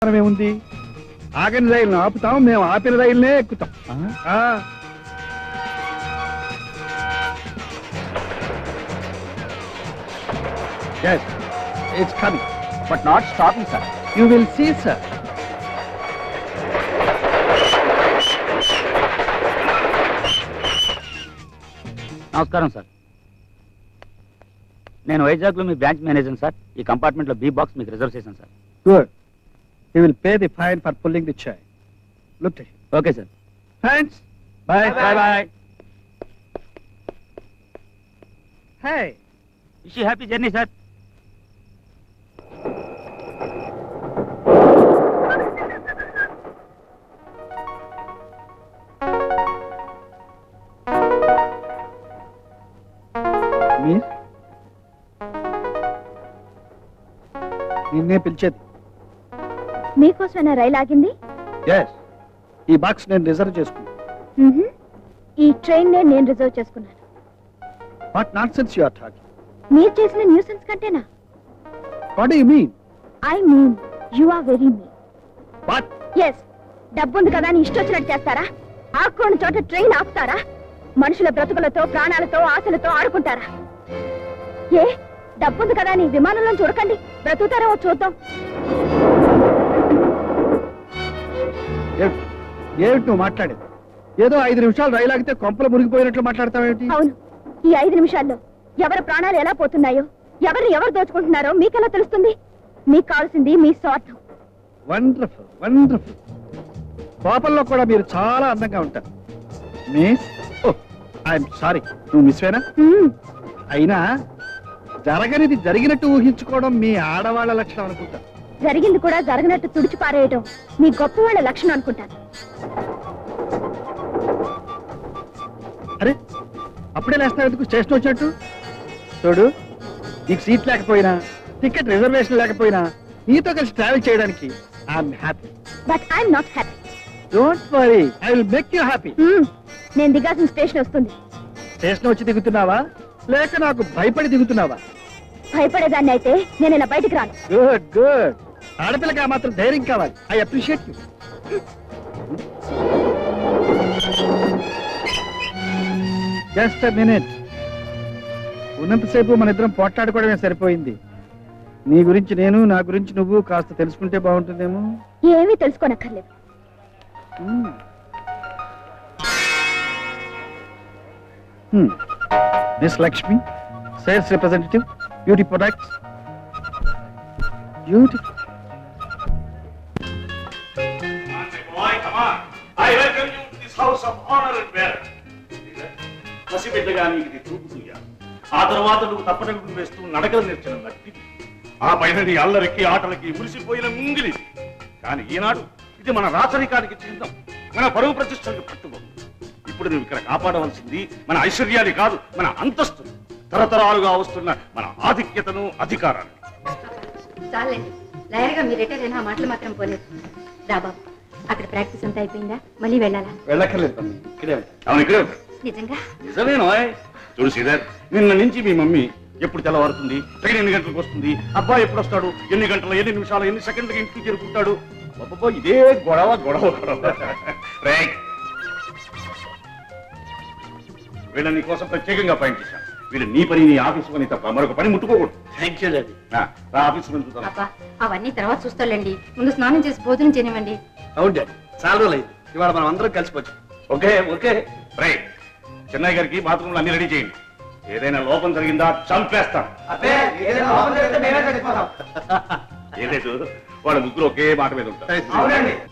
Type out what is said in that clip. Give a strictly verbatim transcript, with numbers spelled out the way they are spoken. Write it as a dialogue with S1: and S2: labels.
S1: ఏముంది? ఆగని రైలును ఆపుతాం, మేము ఆపిన రైలునే ఎక్కుతాం. Yes, it's coming,
S2: but not stopping, sir.
S1: You will see, sir.
S2: నమస్కారం సార్, నేను వైజాగ్లో మీ బ్రాంచ్ మేనేజర్ సార్. ఈ కంపార్ట్మెంట్లో బి బాక్స్ మీకు రిజర్వ్ చేశాను sir.
S1: Good. He will pay the fine for pulling the chain. Look at him.
S2: Okay sir.
S1: Thanks. Bye.
S2: Bye bye.
S1: Hey.
S2: Wish you happy journey sir.
S1: Miss? నిన్నే పిలిచేది.
S3: మీకోసమైనా రైలు ఆగింది?
S1: Yes. ఈ box నేను reserve చేసుకున్నాను.
S3: మ్మ్హ. ఈ train నే నేను రిజర్వ్ చేసుకున్నాను.
S1: What nonsense you are talking?
S3: మీరు చేసిన న్యూసెన్స్ కంటేనా?
S1: What do you mean?
S3: I mean you are very mean.
S1: What?
S3: Yes. డబ్బుంది కదా అని ఇష్టం వచ్చినట్టు చేస్తారా? ఆకుకోని చోట ట్రైన్ ఆపుతారా? మనుషుల బ్రతుకులతో, ప్రాణాలతో, ఆశలతో ఆడుకుంటారా? ఏ డబ్బుంది కదా అని విమానంలో చూడకండి, బ్రతుకుతారేమో చూద్దాం.
S1: ఏమిటి ఏమిటి నువ్వు మాట్లాడేది? ఏదో ఐదు నిమిషాలు రైలు ఆగితే కొంపలు మునిగిపోయినట్లు మాట్లాడతావేమిటి?
S3: అవును, ఈ ఐదు నిమిషాల్లో ఎవరి ప్రాణాలు ఎలా పోతున్నాయో, ఎవరిని ఎవరు దోచుకుంటున్నారో మీకెలా తెలుస్తుంది? మీకు కావాల్సింది మీ స్వార్థం.
S1: Wonderful wonderful. కోపంలో కూడా మీరు చాలా అందంగా ఉంటారు. మిస్, ఓ ఐఎమ్ సారీ, నువ్వు మిస్వేనా?
S3: మ్మ్.
S1: అయినా జరగనిది జరిగినట్టు ఊహించుకోవడం మీ ఆడవాళ్ళ లక్షణం అనుకుంటా.
S3: జరిగింది కూడా జరగనట్టు తుడిచి పారేయడం మీ గొప్ప వాళ్ళ లక్షణం అనుకుంటాను.
S1: అరే అప్పుడే లేస్తావు ఎందుకు? స్టేషన్ వచ్చినట్టు చూడు. నీకు సీట్ లేకపోయినా, టికెట్ రిజర్వేషన్ లేకపోయినా నీతో కలిసి ట్రావెల్ చేయడానికి I'm happy.
S3: But I'm not happy.
S1: Don't worry, I will make you happy.
S3: నేను దిగాల్సిన స్టేషన్ వస్తుంది.
S1: స్టేషన్ వచ్చి దిగుతున్నావా లేక నాకు భయపడి దిగుతున్నావా?
S3: భయపడేదాన్ని అయితే నేను ఇలా బయటికి రాను.
S1: Good good. ఆడపిల్లకి ఆ మాత్రం ధైర్యం కావాలి. I appreciate you. Just a minute. ఉన్నంతసేపు మన ఇద్దరం పోట్లాడుకోవడమే సరిపోయింది. నీ గురించి నేను, నా గురించి నువ్వు కాస్త తెలుసుకుంటే బాగుంటుందేమో.
S3: ఏమీ తెలుసుకోనక్కర్లేదు.
S1: Miss Lakshmi, sales representative, beauty products. Beauty
S4: పసిబిడ్డగా నీకు ఇది చూపుతుందా? ఆ తర్వాత నువ్వు తప్పటడుగులు వేస్తూ నడకలు నేర్చిన నట్టి, ఆ పైన నీ అల్లరికి ఆటలకి మురిసిపోయిన ముంగిలి. కానీ ఈనాడు ఇది మన రాచరికానికి చిహ్నం, మన పరువు ప్రతిష్టలకు పట్టుకోదు. ఇప్పుడు నువ్వు ఇక్కడ కాపాడవలసింది మన ఐశ్వర్యాన్ని కాదు, మన అంతస్తు, తరతరాలుగా వస్తున్న మన ఆధిక్యతను, అధికారాన్ని.
S3: లాయర్గా మీ రిటైర్ అయినా మాటలు మాత్రం పోలేదు. రాబాబు, అక్కడ ప్రాక్టీస్ అంతా అయిపోయిందా? మళ్ళీ వెళ్ళాలా?
S1: వెళ్ళక్కర్లేదు, ఇక్కడే
S4: అవును ఇక్కడే ఉంటా.
S3: నిజంగా?
S4: నిజమేనో. చూడు శ్రీధర్, నిన్న నుంచి మీ మమ్మీ ఎప్పుడు తెల్లవారుతుంది, ట్రైన్ ఎన్ని గంటలకు వస్తుంది, అబ్బాయి ఎప్పుడు వస్తాడు, ఎన్ని గంటల ఎన్ని నిమిషాలు ఎన్ని సెకండ్లకి ఇంటికి చేరుకుంటాడు, అబ్బబ్బో ఇదే గొడవ గొడవ గొడవ. వీళ్ళ నీ కోసం ప్రత్యేకంగా పాయింట్ చేశాను. వీళ్ళు నీ పని, నీ ఆఫీసు పని తప్ప మరొక పని ముట్టుకోకూడదు. Thank you daddy. ఆఫీసు పని చూద్దాం.
S3: అవన్నీ తర్వాత చూస్తాండి, ముందు స్నానం చేసి భోజనం చేయనివ్వండి.
S1: అవును డాడీ, చాలా రోజులు అయింది. ఇవాళ మనం అందరం కలిసిపోవచ్చు.
S4: Okay okay right. చెన్నై గారికి బాత్రూమ్లు అన్ని రెడీ చేయండి. ఏదైనా లోపం జరిగిందా చంపేస్తాం. ఏలేదు, వాళ్ళ ముగ్గురు ఒకే మాట మీద ఉంటారు.